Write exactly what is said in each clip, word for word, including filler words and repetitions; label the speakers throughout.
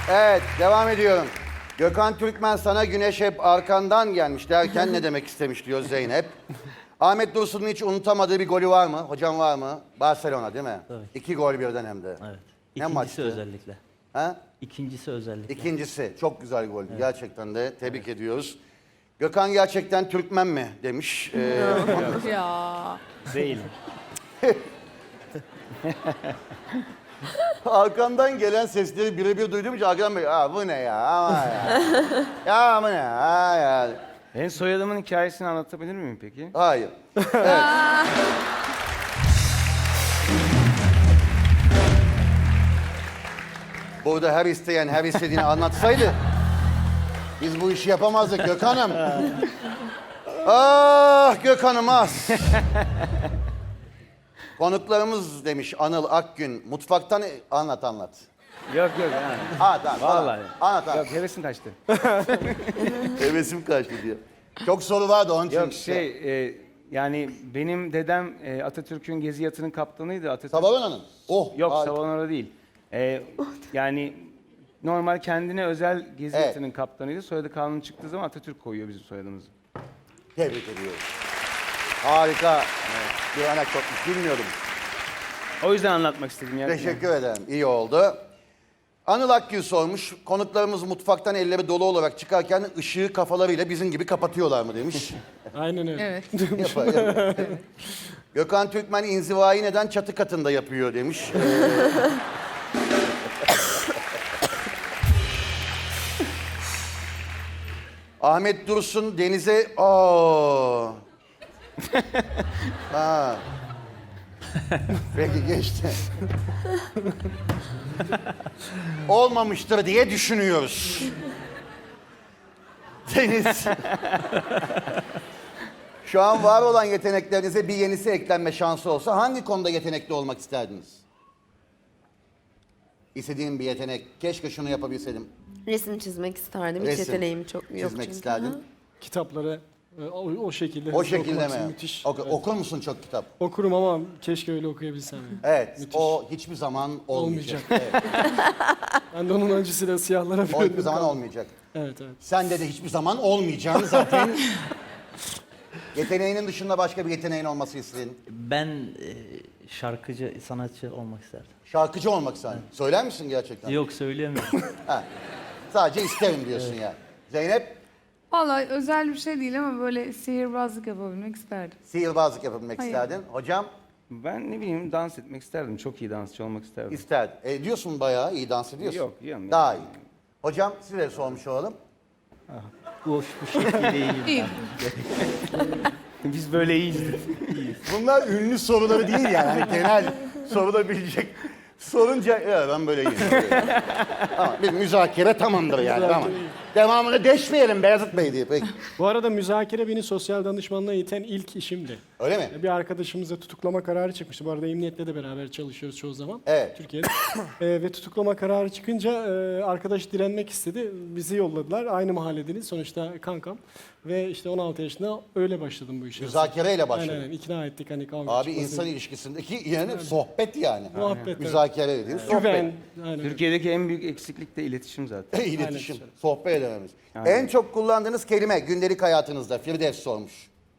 Speaker 1: Evet, devam ediyorum. Gökhan Türkmen sana güneş hep arkandan gelmiş derken ne demek istemiş diyor Zeynep. Ahmet Dursun'un hiç unutamadığı bir golü var mı? Hocam var mı? Barcelona değil mi?
Speaker 2: Tabii.
Speaker 1: İki gol birden hem de.
Speaker 2: Evet.
Speaker 1: Ne
Speaker 2: İkincisi
Speaker 1: maçtı?
Speaker 2: özellikle.
Speaker 1: Ha?
Speaker 2: İkincisi özellikle.
Speaker 1: İkincisi çok güzel gol. Evet. Gerçekten de tebrik evet. ediyoruz. Gökhan gerçekten Türkmen mi demiş. Ee,
Speaker 3: Ya.
Speaker 2: Değil.
Speaker 1: Arkamdan gelen sesleri birebir duyduğum için arkadan böyle aa bu ne ya ama ya. Ya bu ne ya ya.
Speaker 4: Ben soyadımın hikayesini anlatabilir miyim peki?
Speaker 1: Hayır. Evet. Burada her isteyen her istediğini anlatsaydı biz bu işi yapamazdık Gökhan'ım. Ah Gökhan'ım az. Konuklarımız demiş Anıl Akgün. Mutfaktan anlat anlat.
Speaker 4: Yok yok yani.
Speaker 1: Ha tamam.
Speaker 4: Vallahi.
Speaker 1: Anlat anlat.
Speaker 4: Yok hevesim kaçtı.
Speaker 1: Hevesim kaçtı diyor. Çok soru vardı onun için.
Speaker 4: Yok şey e, yani benim dedem e, Atatürk'ün gezi yatının kaptanıydı. Atatürk...
Speaker 1: Savalana'nın. Oh.
Speaker 4: Yok
Speaker 1: harika.
Speaker 4: Savanora değil. E, yani normal kendine özel gezi
Speaker 1: Evet.
Speaker 4: yatının kaptanıydı. Soyadı kanun çıktığı zaman Atatürk koyuyor bizim soyadımızı.
Speaker 1: Tebrik ediyorum. Harika. Evet. Bir anekdotmuş bilmiyordum.
Speaker 4: O yüzden anlatmak istedim. Yani.
Speaker 1: Teşekkür ederim. İyi oldu. Anıl Akgül sormuş. Konuklarımız mutfaktan elleri dolu olarak çıkarken ışığı kafalarıyla bizim gibi kapatıyorlar mı demiş.
Speaker 5: Aynen öyle.
Speaker 3: Evet.
Speaker 1: Yapar, yapar. Gökhan Türkmen inzivayı neden çatı katında yapıyor demiş. Ee, Ahmet Dursun denize... Aa. Ha. Peki geçti. Olmamıştır diye düşünüyoruz. Deniz. Şu an var olan yeteneklerinize bir yenisi eklenme şansı olsa hangi konuda yetenekli olmak isterdiniz? İstediğim bir yetenek. Keşke şunu yapabilseydim.
Speaker 6: Resim çizmek isterdim. Hiç
Speaker 1: Resim
Speaker 6: yeteneğim çok yok
Speaker 1: Çizmek
Speaker 6: çünkü.
Speaker 1: isterdin.
Speaker 6: Hı.
Speaker 5: Kitapları e, o, o şekilde
Speaker 1: O
Speaker 5: hızlı
Speaker 1: şekilde
Speaker 5: okumak
Speaker 1: mi?
Speaker 5: müthiş.
Speaker 1: Oku-
Speaker 5: Evet.
Speaker 1: Okur musun çok kitap?
Speaker 5: Okurum ama keşke öyle okuyabilsem. Yani.
Speaker 1: Evet.
Speaker 5: Müthiş.
Speaker 1: O hiçbir zaman olmayacak.
Speaker 5: Olmayacak.
Speaker 1: Evet.
Speaker 5: Ben de onun acısıyla siyahlara
Speaker 1: O hiçbir
Speaker 5: büründüm.
Speaker 1: zaman
Speaker 5: kaldım.
Speaker 1: olmayacak.
Speaker 5: Evet evet.
Speaker 1: Sende de hiçbir zaman olmayacağını zaten... Yeteneğinin dışında başka bir yeteneğin olması istedin.
Speaker 2: Ben e, şarkıcı, sanatçı olmak isterdim.
Speaker 1: Şarkıcı olmak istedin. Söyler misin gerçekten?
Speaker 2: Yok söyleyemiyorum.
Speaker 1: Ha. Sadece isterim diyorsun ya. Zeynep,
Speaker 3: Vallahi özel bir şey değil ama böyle sihirbazlık yapabilmek isterdim.
Speaker 1: sihirbazlık yapabilmek
Speaker 3: Hayır.
Speaker 1: isterdin. Hocam,
Speaker 4: Ben ne bileyim dans etmek isterdim. Çok iyi dansçı olmak isterdim.
Speaker 1: isterdin. E, diyorsun bayağı iyi dans ediyorsun.
Speaker 4: Yok, yok.
Speaker 1: Daha iyi. Hocam, size sormuş olalım.
Speaker 2: bu, bu şekilde iyiyim.
Speaker 3: İyi.
Speaker 4: Biz böyle iyiyiz.
Speaker 1: Bunlar ünlü soruları değil yani. Hani genel sorulabilecek. Sorunca, ya ben böyle iyiyim. Ama bir müzakere tamamdır yani. Tamam. Devamını deşmeyelim Beyazıt Bey diye. Peki.
Speaker 5: Bu arada müzakere beni sosyal danışmanlığa iten ilk işimdi.
Speaker 1: Öyle mi?
Speaker 5: Bir arkadaşımıza tutuklama kararı çıkmıştı. Bu arada emniyetle de beraber çalışıyoruz çoğu zaman.
Speaker 1: Evet.
Speaker 5: Türkiye'de. Ee, ve tutuklama kararı çıkınca e, arkadaş direnmek istedi. Bizi yolladılar. Aynı mahalledeniz. Sonuçta kankam. Ve işte on altı yaşında öyle başladım bu işe.
Speaker 1: Müzakereyle başladı.
Speaker 5: Aynen aynen. İkna ettik hani kavga
Speaker 1: Abi
Speaker 5: çıkmasın.
Speaker 1: insan ilişkisindeki yani sohbet yani.
Speaker 5: Muhabbet, evet.
Speaker 1: Müzakere dediğin sohbet.
Speaker 5: Güven. Aynen.
Speaker 4: Türkiye'deki en büyük eksiklik de iletişim zaten.
Speaker 1: İletişim,
Speaker 5: Aynen.
Speaker 1: sohbet edememiz.
Speaker 4: Aynen.
Speaker 1: En çok kullandığınız kelime gündelik hayatınızda Firdevs sormuş.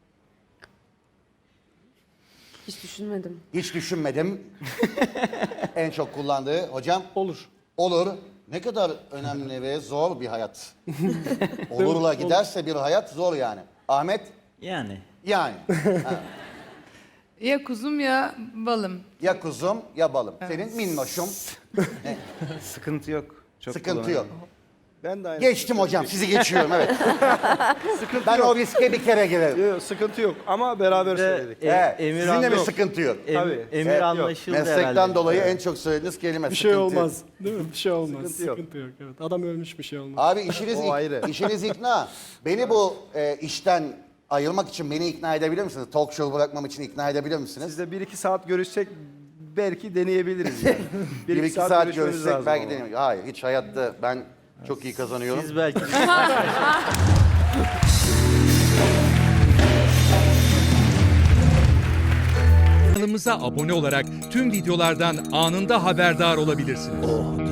Speaker 6: Hiç düşünmedim.
Speaker 1: Hiç düşünmedim. En çok kullandığı hocam
Speaker 5: Olur.
Speaker 1: olur. Ne kadar önemli ve zor bir hayat. Olurla giderse bir hayat zor yani. Ahmet
Speaker 2: Yani
Speaker 1: yani. Ha.
Speaker 3: Ya kuzum ya balım.
Speaker 1: Ya kuzum ya balım. Senin minnoşum.
Speaker 4: Sıkıntı yok. Çok
Speaker 1: Sıkıntı yok.
Speaker 4: kullanıyorum.
Speaker 7: Ben de aynı.
Speaker 1: Geçtim hocam sizi geçiyorum evet. Ben o riske bir kere girerim.
Speaker 7: Yok, sıkıntı yok ama beraber
Speaker 2: Bir de,
Speaker 7: söyledik.
Speaker 2: e,
Speaker 1: Evet.
Speaker 2: emir
Speaker 1: Sizinle mi
Speaker 2: anla-
Speaker 1: sıkıntı yok?
Speaker 2: em-
Speaker 7: Tabii.
Speaker 2: emir
Speaker 1: Evet, yok.
Speaker 2: anlaşıldı
Speaker 1: Meslekten
Speaker 2: herhalde.
Speaker 1: dolayı en çok söylediğiniz kelime
Speaker 5: Bir şey
Speaker 1: sıkıntı yok.
Speaker 5: olmaz. Değil mi? Bir şey olmaz.
Speaker 7: Sıkıntı yok.
Speaker 5: Sıkıntı yok. Evet. Adam ölmüş bir şey olmaz.
Speaker 1: Abi işiniz,
Speaker 7: O
Speaker 1: ik-
Speaker 7: ayrı.
Speaker 1: işiniz ikna. Beni bu e, işten ayırmak için beni ikna edebilir misiniz? Talk show bırakmam için ikna edebilir misiniz?
Speaker 7: Sizle bir iki saat görüşsek belki deneyebiliriz yani.
Speaker 1: Bir iki saat,
Speaker 7: görüşmemiz
Speaker 1: görüşsek
Speaker 7: lazım
Speaker 1: belki
Speaker 7: ama.
Speaker 1: deneyelim. Hayır hiç hayatta ben çok iyi kazanıyorum.
Speaker 2: Siz belki
Speaker 8: Kanalımıza abone olarak tüm videolardan anında haberdar olabilirsiniz.